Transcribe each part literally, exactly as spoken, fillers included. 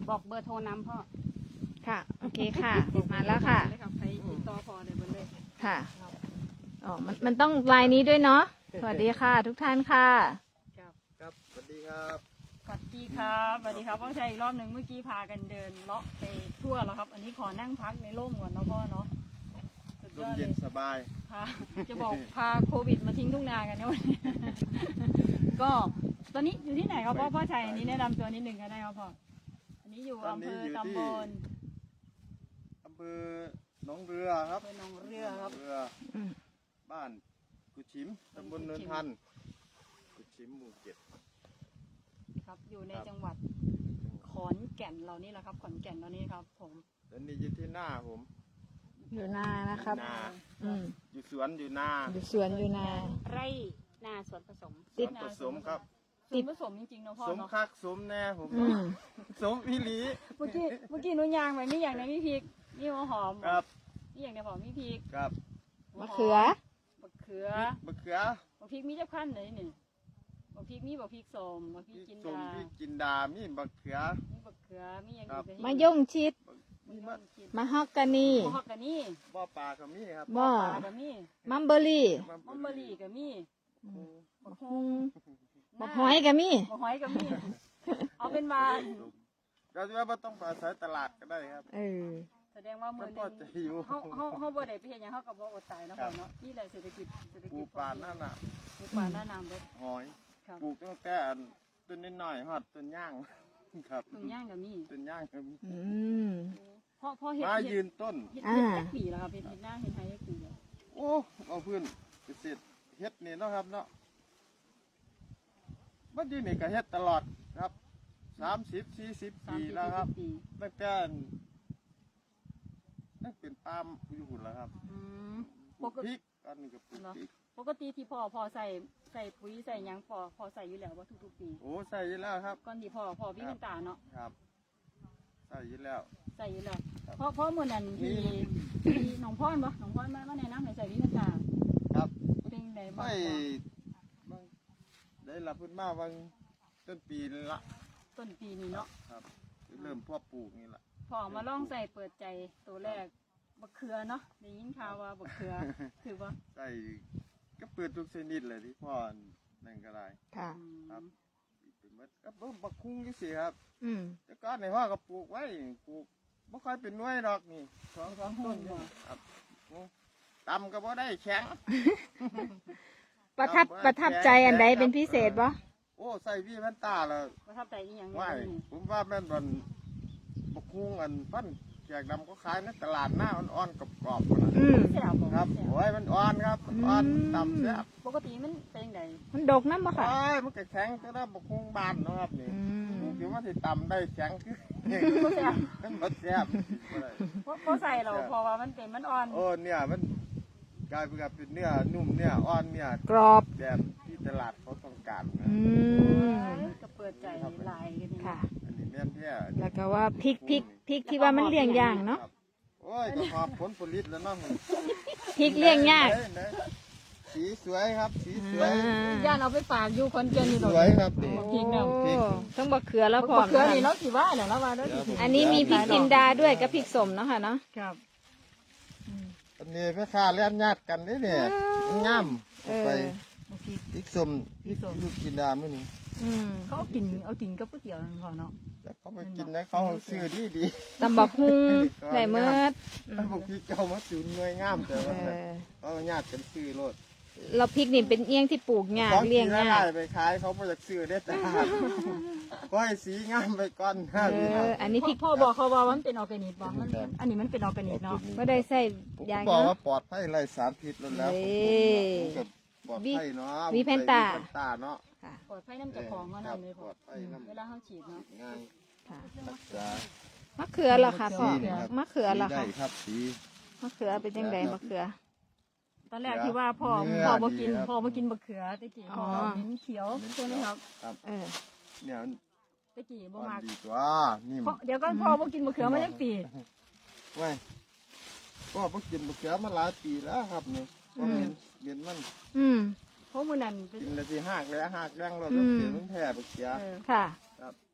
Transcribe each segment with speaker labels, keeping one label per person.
Speaker 1: บอกเบอร์โทรน้ำพ่อ
Speaker 2: ค่ะโอเคค่ะมาแล้วค่ะ
Speaker 1: ใครติดต่อพ่อได้เบอร์เลย
Speaker 2: ค่ะอ๋อมันมันต้องไลน์นี้ด้วยเนาะสวัสดีค่ะทุกท่านค่ะ
Speaker 3: ครับครับสวัสดีครับ
Speaker 1: สวัสดีครับสวัสดีครับพ่อชัยอีกรอบหนึ่งเมื่อกี้พากันเดินเลาะไปทั่วแล้วครับอันนี้ขอนั่งพักในร่มก่อนเนาะพ่อเนาะ
Speaker 3: ลมเย็นสบาย
Speaker 1: พาจะบอกพาโควิดมาทิ้งทุ่งนากันเนี่ยวันนี้ก็ตอนนี้อยู่ที่ไหนครับพ่อพ่อชัยอันนี้แนะนำตัวนิดหนึ่งก็ได้ครับพ่ออันนี้อยู่อำเภอตำบล
Speaker 3: อำเภอหนองเรือครับ
Speaker 1: หนองเรือครับ
Speaker 3: เรือบ้านกุชิมตำบลเนินทันกุชิมหมู่เจ็ด
Speaker 1: ครับอยู่ในจังหวัดขอนแก่นเรานี่แหละครับขอนแก่นเรานี่ครับผม
Speaker 3: ตอนนี้อยู่ที่หน้าผม
Speaker 2: อยู่นานะครับ
Speaker 3: อืมอยู่สวนอยู่นา
Speaker 2: อยู่สวนอยู่นา
Speaker 1: ไร่นาสวนผสม
Speaker 3: สวนผสมครับ
Speaker 1: ติดผสมจริงๆนะพ่อ
Speaker 3: สมคักสมแน่ผมสมพิลี
Speaker 1: เมื่อกี้เมื่อกี้นุ่นยางไปนี่อย่างในมีพริกนี่หัวหอม
Speaker 3: ครับ
Speaker 1: นี่อย่างในหอมมีพริก
Speaker 3: ครับ
Speaker 2: มะเขือ
Speaker 1: มะเขือ
Speaker 3: มะเขือ
Speaker 1: มะพริกมีเจ้าขั้นเลยนี่มะพริกมีมะพริกส้มมะพริกจินดา
Speaker 3: พริกจินดามีมะเขือ
Speaker 1: มีมะเขือมีอย่าง
Speaker 2: นี้มะย่งชิดมะฮอกกานี
Speaker 1: มะฮอกกานี
Speaker 3: บ่อปลาก็มีครับ
Speaker 2: บ่อ
Speaker 1: ปลาก็มี
Speaker 2: มัมเบอรี่
Speaker 1: มัมเบอรี่ก็มี
Speaker 2: มะฮงมะหอยก็มี
Speaker 1: มะหอยก็มีเอาเป็นมา
Speaker 3: เราจะว่าต้องไปอาศัยตลาดก็ได้ครับ
Speaker 2: เออ
Speaker 1: แสดงว่ามือนึงเขาเขาเขาบ่ได้ไปเห็นอย่างเขากับบ่อดตายนะพ่อเนาะนี่แหละเศรษฐกิจเศรษฐกิจ
Speaker 3: ปลูกป่าหน้าหนาว
Speaker 1: ปลูกป่าหน้าหนาวเลย
Speaker 3: หอยปลูกตั้งแต่ต้นนิดหน่อยฮอดต้นย่างครับ
Speaker 1: ต้นย่างก็มี
Speaker 3: ต้นย่างก็มี
Speaker 2: อืม
Speaker 1: พ่อพ่อเห็ด
Speaker 3: มายืนต้น
Speaker 1: เห็ดเห็ดปีแล้วครับเห็ดเห็ดหน้าเห็ดไทยเห็ดปีแล้ว
Speaker 3: โอ้เอาเพื่อนเกษตรเฮ็ดนี่เนาะครับเนาะมันยืนนี่ก็เฮ็ดตลอดครับสามสิบสี่สิบปีแล้วครับตั้งแต่นั่นเป็นปาล์มอยู่หุ่นแล้วครับปลูกพริกอันนี้ก็ปลูกพริก
Speaker 1: ปกติที่พ่อพอใส่ใส่ปุ๋ยใส่ยังพอพอใส่อยู่แล้วว่าทุกๆปี
Speaker 3: โอ้ใส่อยู่แล้วครับ
Speaker 1: ก่อนที่พ่อพ่อพี่เป็นตาเนาะ
Speaker 3: ครับใส่อยู่แล้ว
Speaker 1: ใส่อยู่แล้วเพราะเพราะมื่อนั้นที่ที่หนองพ่อนปะหนองพ่อนมามาแนะนำให้ใส่วิเป็นตา
Speaker 3: ครับ
Speaker 1: เป็นไงบ้าง
Speaker 3: ไม่ได้รับพื้นมาบางต้นปีละ
Speaker 1: ต้นปีนี้เนาะ
Speaker 3: ครับเริ่มพ่อปลูกนี่แหละ
Speaker 1: พอมาลองใส่เปิดใจตัวแรกบักเขือเนาะได้ยินข่าวว่าบักเขือถือว่า
Speaker 3: ใส่ก็เปิดทุกชนิดเลยที่พ่อนั่นก็ได้
Speaker 2: ค่ะ
Speaker 3: ครับเป็นมัดก็บ่บักคุ้งยี่สิครับ
Speaker 2: อืม
Speaker 3: แต่ก่อนในพ่อก็ปลูกไว้ปลูกไม่ค่อยเป็นน้อยดอกนี่สองสองต้นครับตำก็บ่ได้แข็ง
Speaker 2: ประทับประทับใจอันใดเป็นพิเศษบ่
Speaker 3: โอ้ใส่พี่แว่นตาเลย
Speaker 1: ประทับใจอีหยัง
Speaker 3: ไม่ผมว่าแม่นบันบักคุ้งอันปั้นแขกดำก็ขายในตลาดหน้าอ่อนๆกรอบๆนะ
Speaker 1: ครับ
Speaker 3: โอ้ยมันอ่อนครับอ่อนตำแซ่บ
Speaker 1: ปกติมันเป็นไง
Speaker 2: มันดกน้ำบ่ค่ะ
Speaker 3: โอ้ยมันแข็งก็ได้บักคุ้งบานนะครับนี่คือว่าที่ตำได้แข็งคือมันบดแซ่บ
Speaker 1: เพราะใส่เราพอว่ามันเป็นมันอ่อน
Speaker 3: โอ้เนี่ยมันกลายเป็นเป็นเนื้อนุ่มเนื้ออ่อนเนื้อก
Speaker 2: รอบ
Speaker 3: แบบที่ตลาดเขาต้องการนะ
Speaker 1: ก็เปิดใจลายกัน
Speaker 2: ค่ะ
Speaker 3: อันนี้แม่นแท้
Speaker 2: แล้วก็ว่าพริกพริกพริกที่ว่ามันเลี้ยงยากเนาะ
Speaker 3: โอ้ยก็หอบผลผลิตแล้วเนาะ
Speaker 2: พริกเลี้ยงยาก
Speaker 3: สีสวยครับสีสวย
Speaker 1: ย่านเอาไปฝากอยู่คนเกินอยู่
Speaker 3: สวยครับนี่
Speaker 1: พริกเนี่ย
Speaker 2: ต้องบักเขือแล้วพอ
Speaker 1: บักเขือนี่เนาะกี่ว่าเนี่ยแล้วว่า
Speaker 2: อันนี้มีพริกจินดาด้วยกับพริกสมเนาะค่ะเนาะ
Speaker 1: ครับ
Speaker 3: อันนี้แม่ค้าเลี้ยงญาติกันนี่เนี่ยงามไปพริกสมพริกลูกจินดาไม่นี่
Speaker 1: เขาเอากินเอากินกับก๋วยเตี๋ยวนั่นพอเนาะ
Speaker 3: แต่เขาไปกินนะเขาซื้อดีดี
Speaker 2: ตำบักหุ่งไหนเมื่อ
Speaker 3: ตำบักพริกเก่ามาสูนเงยงามแต่ว่าเขาญาติกันซื้อรถ
Speaker 2: เราพริกนี่เป็นเอี้ยงที่ปลูกยากเลี้ยงยาก
Speaker 3: ไปขายเขาไม่อยากซื้อได้แต่ก็ให้สีงามไปก่อน
Speaker 2: อันนี้พริก
Speaker 1: พ่อบอกเขาว่ามันเป็นออร์แกนิกบอกมันอันนี้มันเป็นออร์แกนิกเนาะ
Speaker 2: ไม่ได้ใส่ยา
Speaker 3: บอกว่าปลอดภัยไร้สารพิษแล้วปลอดภัยเนาะ
Speaker 2: มีแพนตา
Speaker 3: เนาะ
Speaker 1: ปลอดภัยน้ำจะของมันเลยพอเวลาเขาฉีดเนาะ
Speaker 3: ง่าย
Speaker 2: มะเขือเหรอคะพ่อมะเขือเหรอคะ
Speaker 3: ครับสี
Speaker 2: มะเขือเป็นยังไงมะเขือ
Speaker 1: ตอนแรกที่ว่าพ่อพ่อมากินพ่อมากินมะเขือตะกี้พ่อมิ้นเขียวใช่ไหมครับ
Speaker 3: เออเนี่ย
Speaker 1: ตะกี้บ่มาก
Speaker 3: ดีกว่านี่
Speaker 1: เดี๋ยวก็พ่อมากินมะเขือมาตั้งปี
Speaker 3: ว้ยพ่อมากินมะเขือมาหลายปีแล้วครับเนี่ยก็เห็นเห็นมัน
Speaker 2: อืม
Speaker 1: เพราะมือนั้น
Speaker 3: กินละทีหักเลยหักแรงเราต้องเสียมันแผ่มะเขือ
Speaker 2: ค่ะพ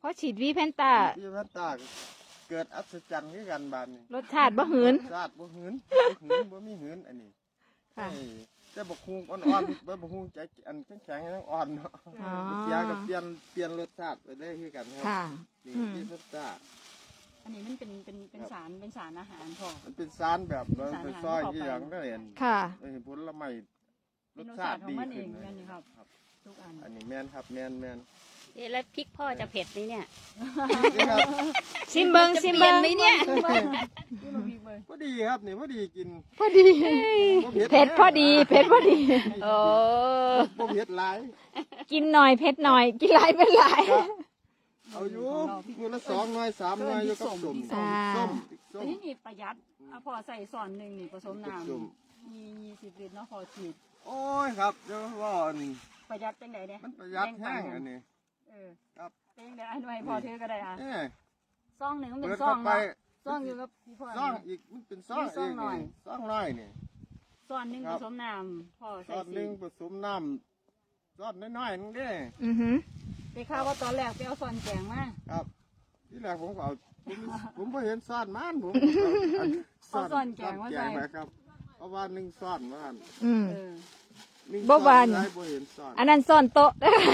Speaker 2: อฉีดวีแพนต้า
Speaker 3: พี่พันตาเกิดอัศจรรย์คือกันบานนี่
Speaker 2: รสชาติบ่หืน
Speaker 3: ชาติบ่หืนบ่หืนบ่มีหืนอันนี้
Speaker 2: ค่ะ
Speaker 3: เอ้ยแต่บักฮุงอ่อนๆบ่บักฮุงใจอันแข็งๆยังอ่อนเนาะ
Speaker 2: อ๋อ
Speaker 3: เสียก็เปลี่ยนเปลี่ยนรสชาติไปได้คือกันครั
Speaker 2: ค่ะ
Speaker 3: นี่
Speaker 2: อืม
Speaker 3: พี่พันตา
Speaker 1: อันนี้มันเป็นเป็นเป็นสารเป็นสารอาหารพอ
Speaker 3: มันเป็นสารแบบเราไปซอยที่อย่างได้เห็น
Speaker 2: ค่ะ
Speaker 3: เอ้ยผลไม้ร
Speaker 1: เป็น
Speaker 3: ส
Speaker 1: รส
Speaker 3: ชา
Speaker 1: ชา
Speaker 3: ติ
Speaker 1: ติของ
Speaker 3: ดี
Speaker 1: มันเอ
Speaker 3: ขึ้
Speaker 1: ง
Speaker 3: น
Speaker 1: นั่น
Speaker 3: เล
Speaker 1: นี่
Speaker 3: ย
Speaker 1: ครับ
Speaker 3: ครับ
Speaker 1: ทุกอัน
Speaker 3: อันนี้แม่นครับแม่นแม่น
Speaker 4: เอ๊ะแล้วพริกพ่อจะเผ็ดไหมเนี่ย
Speaker 3: นี่ครับ
Speaker 2: ซิมเบิงซิมเบิง
Speaker 4: ไหมเนี่ย
Speaker 1: ที่เราพีเบอร์
Speaker 3: พอดีครับนี่พอดีกิน
Speaker 2: พอดี
Speaker 3: บ่
Speaker 2: เผ็ดพอดีเผ็ดพอดี
Speaker 4: โอ้
Speaker 3: บ่เผ็ดหลาย
Speaker 2: กินหน่อยเผ็ดหน่อย กินหลายเป็นหลาย
Speaker 3: ก็เอาอยู่มือละสองหน่อยสามหน่อยอยู่กับส้ม
Speaker 2: อ่า
Speaker 3: ส้มพริกส้
Speaker 1: แต่
Speaker 3: ม
Speaker 1: ที่นี่ประหยัดอ่ะพอใส่ส่วนหนึ่งนี่ผสมน้
Speaker 3: ส้ม
Speaker 1: ำมียี่สิบลิตรเนาะพอฉีด
Speaker 3: โอ้ยครับเดี๋ยวว่าอัน
Speaker 1: ประหยัดจังไดเนี่ย
Speaker 3: มันประหยัดแห้งอันนี้
Speaker 1: เออ
Speaker 3: ครับ
Speaker 1: เองเดี๋ยวไอ้หน่วยพอเธอก็ได้อ่ะ
Speaker 3: เอ้ย
Speaker 1: ซองหนึ่งมันเป็
Speaker 3: เปิ
Speaker 1: น
Speaker 3: ด
Speaker 1: ซอ
Speaker 3: เข้าง ไป
Speaker 1: เนาะซองอยู่กับพี่พ่อ
Speaker 3: ซองอีกมันเป็นซอง
Speaker 1: มีซองหน่อย
Speaker 3: นี่ซองน้อยนี่
Speaker 1: ส่วนหนึ่ง
Speaker 3: ครั
Speaker 1: ผ
Speaker 3: บ
Speaker 1: สมน้ำพอ
Speaker 3: ซ
Speaker 1: ใส่
Speaker 3: องห
Speaker 1: สี
Speaker 3: นึงผสมน้ำซองน้อยๆนึงเด้
Speaker 2: อือหือ
Speaker 1: ได้ข่าวว่าตอนแรกไปเอาส่วนแกงมา
Speaker 3: ครับที่แรกผมก็เอาผมผมบ่เห็นซ่อนมันผม
Speaker 1: เอาส่วนแกงมาใส่
Speaker 3: มาครับเพราะว่าหนึ่งซ่อนมัน
Speaker 2: อืม
Speaker 1: เออ
Speaker 3: หนึ่ง
Speaker 2: บ่วาน
Speaker 3: ซ่อบ่เห็นซ่อน
Speaker 2: อันนั้นซ่อนโต๊ะ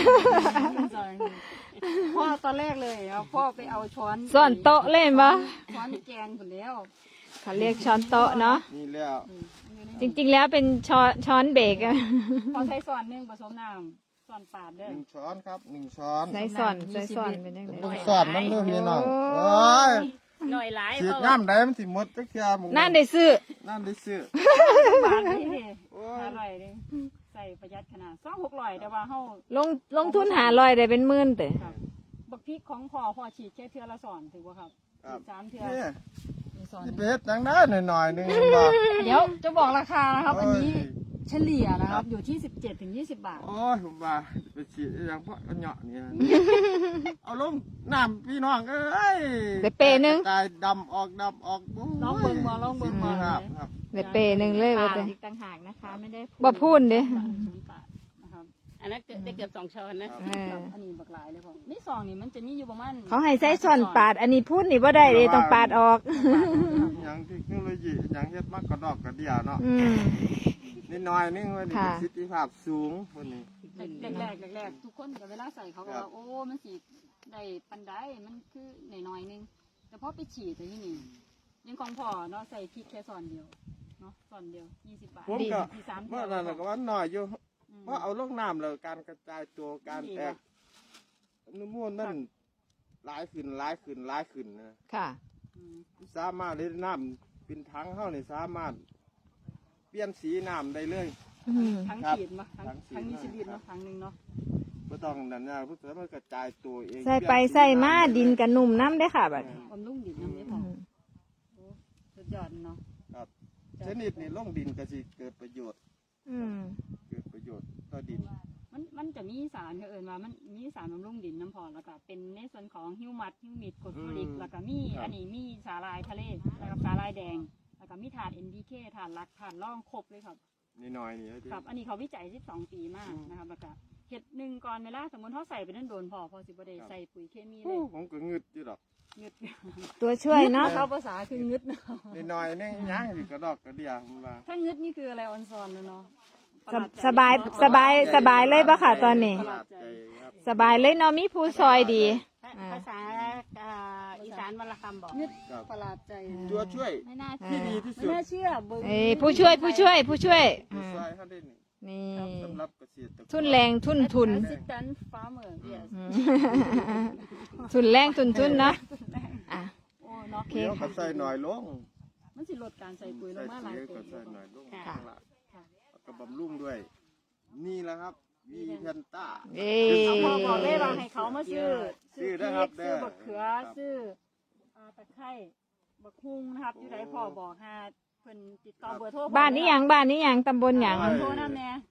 Speaker 1: พ่อตอนแรกเลยเอาพ่อไปเอาช้อน
Speaker 2: ซ่อนโต๊ะเล่นปะ
Speaker 1: ช้อนแกงผลแล้ว
Speaker 2: เขาเรียกช้อนโต๊ะเนาะ
Speaker 3: นี่แล้ว
Speaker 1: อืมอยู่ใน
Speaker 2: จริงๆแล้วเป็นช้อนช้อนเบรกอะ
Speaker 1: พอใส่ส่วนหนึ่งผสมน้ำส่วนปาดเด้
Speaker 3: ห
Speaker 1: อ
Speaker 3: นึ่งช้อนครับหนึ่งช้อน
Speaker 2: ใส่ซ่อนใส่ซ่อนเป็นยังไง
Speaker 3: หนึ่งซ่อนมันเริ่มมีน้องโอ้ย
Speaker 4: หน่อยหลาย
Speaker 3: ฉีด
Speaker 4: เพราะ
Speaker 3: น้ำได้มันสิหมดจักเที่ยหมึง
Speaker 2: นั่นได้ซื้อ
Speaker 3: นั่นได้ซื้อ
Speaker 1: ปาดนี่ดิ
Speaker 3: โอ้
Speaker 1: อย ร่อยดิใส่ประหยัดขนาดสองหกร้อยแต่ว่าเฮา
Speaker 2: ลงลงทุนหาลอยได้เป็นหมื่นเตะ
Speaker 1: ครับบักพริกของพ่อพ่อฉีดแค่เทื่อละสอนถือว่าครับ
Speaker 3: ครับ
Speaker 1: สามเทื่อ
Speaker 3: นี่
Speaker 1: มีสอน
Speaker 3: นี่ไปเฮ็ดจังได้หน่อยๆหนึงบ่
Speaker 1: เดี๋ยวจะบอกราคานะครับ อันนี้
Speaker 3: โอ้ย
Speaker 1: เฉลี่ยนะครับอยู่ที่สิบเจ็ดถึงยี่สิบบาท
Speaker 3: โอ้ยผมว่าไปฉีดอหยังเพราะอันเหยาะนี่ เอาลงน้ำพี่น้องเอ้ย
Speaker 2: ได้เปหนึ่ง
Speaker 3: กายดำออกดำออกโย
Speaker 1: ลองเบิ่งบ่ลองเบิ่งบ่
Speaker 3: ครับครับ
Speaker 2: ได้เปหนึ่งเลย
Speaker 1: ปา
Speaker 2: ว่า
Speaker 1: ด
Speaker 2: แต่
Speaker 1: อีกต่างหากนะคะ ไม่ได้
Speaker 2: บ่พูดเด้
Speaker 1: ปาดนะครับ
Speaker 4: อันนั้นเกือบได้เกือบสองช้อนนะ
Speaker 2: เออ
Speaker 1: อันนี้บักหลายเลยผมนี่ซองนี่มันจะมีอยู่ประมาณ
Speaker 2: เขาให้ใส่ซ่อนปาด อันนี้พูดนี่ว่าได้เลยต้องปาดออก
Speaker 3: หยังเทคโนโลยีหยังเฮ็ดมากกระดอกกระเดียเนาะ
Speaker 2: อืม
Speaker 3: นิดหน่อยนึงว่านี่
Speaker 2: ค่ะ
Speaker 3: ประสิทธิภาพสูงคนนี้
Speaker 1: แรกแรกๆแรกๆทุกคนกับเวลาใส่เขาก็
Speaker 3: ครั
Speaker 1: ว่า
Speaker 3: บ
Speaker 1: โอ้มันสีได้ปันได้มันคือหน่อยๆนึงแต่พอไปฉีดแต่ที่นี่ยังของพ่อเนาะใส่พริกแค่ซอนเดียวเนาะซอนเดียวยี่สิบบาท
Speaker 3: ผมก็
Speaker 1: มีสาม
Speaker 3: เมื่
Speaker 1: เท่า
Speaker 3: อนั้นน่ะก็ว่าน้อยอยู่
Speaker 1: อืม
Speaker 3: เพราะเอาลงน้ำเลยการกระจายตัวการแตกอนุมูลนั่นหลายขึ้นหลายขึ้นหลายขึ้นนะ
Speaker 2: ค่ะ
Speaker 1: อืม
Speaker 3: สามารถเล่นน้ำเป็นถังเฮานี่สามารถเปลี่ยนสีน้ำได้เลย
Speaker 2: อืม
Speaker 1: ทั้ง
Speaker 3: ครับ
Speaker 1: ฉีดมาทั้ง
Speaker 3: ทั้งฉีด
Speaker 1: ทั้งยี่สิบลิตร
Speaker 3: ครั
Speaker 1: เนาะ
Speaker 3: บ
Speaker 1: ทั้งหนึ่งเนาะ
Speaker 3: บ่ต้องนั่นนะเพื่อมันกระจายตัวเอง
Speaker 2: ใส่ไปใส่มาดินกับนุ่มน้ำได้อค่ะบัด
Speaker 1: บำรุงดินน้ำได้พ
Speaker 2: อื
Speaker 1: อ
Speaker 2: ม
Speaker 1: โอ้สุดยอดเนาะ
Speaker 3: ครับชนิดนี้ลงดินก็สิเกิดประโยชน์
Speaker 2: อืม
Speaker 3: เกิดประโยชน์ต่อดิน
Speaker 1: มันมันจะมีสารเขาเอิญว่ามันมีสารบำรุงดินน้ำพอแล้วก็เป็นในส่วนของฮิวมัสฮิวมิดกรดฟลูออริก
Speaker 3: อืม
Speaker 1: แล้วก็มี
Speaker 3: ครับ
Speaker 1: อันนี้มีสาลายทะเลแล้วก็สาลายแดง แล้วก็มีถาด เอ็น พี เค ถาดลักถาดร่องครบเลยครับ
Speaker 3: นิดหน่อยนี่เด้อ
Speaker 1: ครับ อันนี้เขาวิจัยสิบสองปีมากนะครับแล้วก็เห็ดหนึ่งก่อนเวลาสมมติเขาใส่ไปนั่นโดนพอพอสิบได้ใส่ปุ๋ยเคมีเล
Speaker 3: โอ้
Speaker 1: ย
Speaker 3: ผมก็งึดอยู่ดอก
Speaker 1: งึด
Speaker 2: ตัวช่วยเนาะ
Speaker 1: เขาภาษาคืองึดเนาะ
Speaker 3: นิดหน่อยนึงยังสิกระดอกกระเดียผมว่า
Speaker 1: ถ้างึดนี่คืออะไรออนซอนเลยเนาะ
Speaker 2: สบสบายสบายสบายเลยปะค่ะตอนนี้
Speaker 3: ประหลาดใจครับ
Speaker 2: สบายเลยเนาะมีผู้ซอยดี
Speaker 4: ภาษาอ่าอีสานวรรณคำบอก
Speaker 1: งึด
Speaker 3: ครับ
Speaker 1: ประหลาดใจ
Speaker 3: ตัวช่วย
Speaker 1: ไม่น่า
Speaker 3: ที่
Speaker 1: เชื่อ
Speaker 3: ดีที่
Speaker 1: ไม่
Speaker 3: สุด
Speaker 1: น่าเชื่อเบิ่ง
Speaker 2: เอ้ยผู้ช่วยผู้ช่วยผู้ช่วย
Speaker 3: ตัว
Speaker 2: อ่า
Speaker 3: ช่วยเขาได้นี่
Speaker 2: นี่
Speaker 3: สำหรับเกษตรกร
Speaker 2: ทุนแรงทุนทุน
Speaker 1: ซิสแตนฟาร์เมอร์เยส
Speaker 2: อืมทุนแรงทุนทุนเนาะอ่ะ
Speaker 1: โอ้เนาะ
Speaker 2: โอเค
Speaker 3: เดี๋ยวก็ใส่หน่อยลง
Speaker 1: มันสิลดการใส่ปุ๋ยล
Speaker 3: ใส่
Speaker 1: งมาหลาย
Speaker 3: ปุ๋ย
Speaker 1: เติ
Speaker 3: ก็
Speaker 1: บ
Speaker 3: ใส่หน่อยลง
Speaker 4: ค่ะ
Speaker 3: ข้างล่างแล้วก็บำรุงด้วย นี่แหละครับวีแพนต้า
Speaker 2: เอ้
Speaker 1: เอาพอบอกเลยว่าให้เขามาซื้อ
Speaker 3: ซื้
Speaker 1: ซื้
Speaker 3: อ
Speaker 1: อ
Speaker 3: ได้
Speaker 1: พ
Speaker 3: ครั
Speaker 1: ริ
Speaker 3: บ
Speaker 1: กซื้อ
Speaker 3: ได้
Speaker 1: บักเขือ
Speaker 3: ครับ
Speaker 1: ซื้ออ่าตะไคร้บักฮุงนะครับอยู่ไหนพ่อบอกหาเพิ่นติดต่อเบอร์โทร
Speaker 2: บ้านนี้หยังบ้านนี้หยังตำบลหยัง
Speaker 1: เบอร์โทรนั่นแน่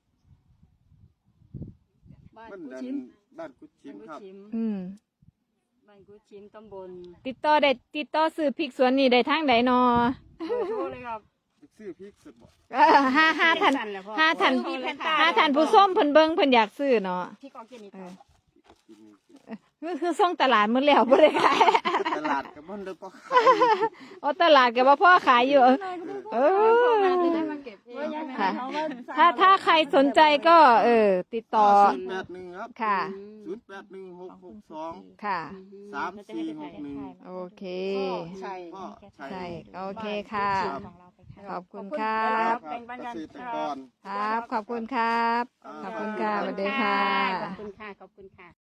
Speaker 1: บ้าน
Speaker 3: มัน
Speaker 1: กุ
Speaker 3: ดัน
Speaker 1: ชิม
Speaker 3: บ้านกุดชิม
Speaker 1: บ้านกุ
Speaker 3: ครับ
Speaker 1: ชิม
Speaker 2: อืม
Speaker 1: บ้านกุชิมตำบล
Speaker 2: ติดต่อได้ติดต่อซื้อพริกสวนนี่ได้ทางใดนอ
Speaker 1: เบอร์โทรเลยครับ
Speaker 3: ซื้อพริกสุดบ่
Speaker 2: เออห้าห้าท่าน
Speaker 4: สั้นแหละพ่อ
Speaker 2: ห้าท่าน
Speaker 4: มีแพนต้า
Speaker 2: ห้าท่านผู้ส้มเพิ่นเบิ่งเพิ่นอยากซื้อเนาะ
Speaker 1: พริกออร์แกนิก
Speaker 2: เออ
Speaker 3: กินนี่สิ
Speaker 2: คือคือส่งตลาดมื้อแล้วบ่ได้ขาย
Speaker 3: ตลาดกับมันเด้อก็ขาย
Speaker 2: อ๋อตลาดก็บ่พ่อขายอยู่เออ
Speaker 1: จะได้มาเก็บเอง
Speaker 2: ค่ะ ถ้าถ้าใครสนใจก็ เออ ติดต่อ
Speaker 3: ศูนย์แปดหนึ่งครับ
Speaker 2: ค่ะ
Speaker 3: ศูนย์แปดหนึ่งหกหกสอง
Speaker 2: ค่ะ
Speaker 3: สามสี่หกหนึ่ง
Speaker 2: โอเค
Speaker 4: ใช่
Speaker 3: พ่อชัย
Speaker 2: ใช่ โอเคค่ะ ขอบคุณครั
Speaker 3: ครับ บเกษตรกร
Speaker 2: ครับ ขอบคุณครับ ขอบคุณค่ะสวัสดีค่ะ
Speaker 4: ขอบคุณค่ะ ขอบคุณค่ะ